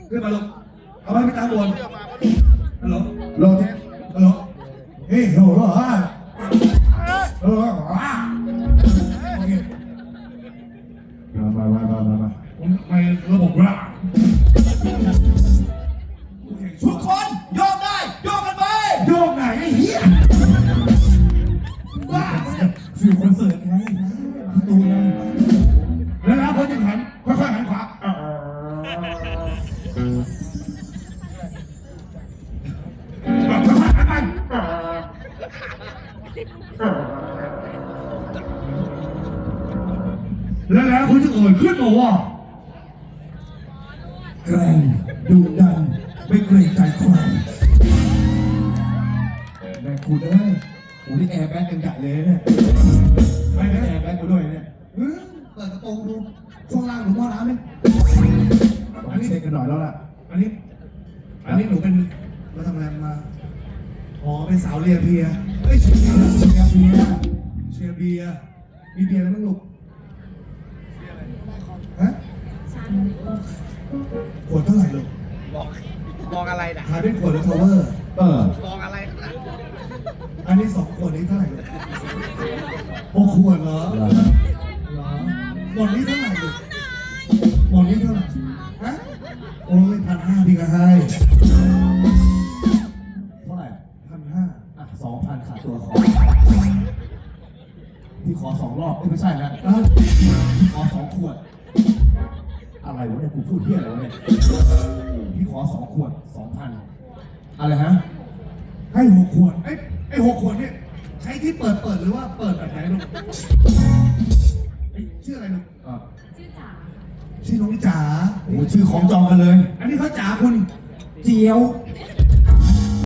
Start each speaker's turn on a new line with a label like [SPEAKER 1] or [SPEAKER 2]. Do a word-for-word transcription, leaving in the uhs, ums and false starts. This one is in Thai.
[SPEAKER 1] ขึ้นมาลงเอาไว้ไปตามบนฮัลโหล
[SPEAKER 2] โลเทส
[SPEAKER 1] ฮัลโหล
[SPEAKER 2] เฮ้ยโหโหเออโอเคมามามามามามาผมไประบบละทุกคนโยกได้โยกกันไปโยกไหนไอ้เหี้ยว้าฟิวคอนเสิร์ตไงตูนแล้วแล้วคนจะหันค่อยๆหันขวาแบบค่อยๆหันไปแล้วแล้วคุณจะเอ่ยขึ้นมาว่าแกร่งดุดันไม่เกรงใจใครแม่คุณเอ้ยโอ้นี่แอร์แบ็กยังใหญ่เลยเนี่ยไม่ได้แอร์แบ็กกูด้วยเนี่ยเปิดกระโปรงดูช่วงล่างหนูมอน้ำไหมอันนี้เช็คกันหน่อยแล้วล่ะอันนี้อันนี้หนูเป็นมาทำงานมาอ๋อเป็นสาวเรียเบียเอ้ยเชียร์เบียร์เชียร์เบียร์เชียร์เบียร์มีเบียร์อะไรบ้างลูกฮะขวดเท่าไหร่ลูก
[SPEAKER 3] มองมองอะไรนะ
[SPEAKER 2] ขายเป็นขวดหรือ cover เออ
[SPEAKER 3] มองอะไรนะ
[SPEAKER 2] อันนี้สองขวดนี้เท่าไหร่ลูกหกขวดเหรอเหรอหมดนี้เท่าไหร่ลูกหมดนี้เท่าไหร่ฮะโอ้ยพันห้าพี่ก็ให้เท่าไหร่พันห้าอ่ะสองพันขาดตัวขอพี่ขอสองรอบไม่ใช่นะพี่ขอสองขวดอะไรวะเนี่ยกูพูดเที่ยอะไรวะเนี่ยพี่ขอสองขวดสองพันอะไรฮะให้หกขวดไอ้ไอ้หกขวดเนี่ยใช้ที่เปิดเปิดหรือว่าเปิดแบบไหนลูกไอ้ชื่ออะไรลูกชื่อจ๋าชื่อน้องจ๋าโอ้ชื่อของจองกันเลยอันนี้เขาจ๋าคุณเจียว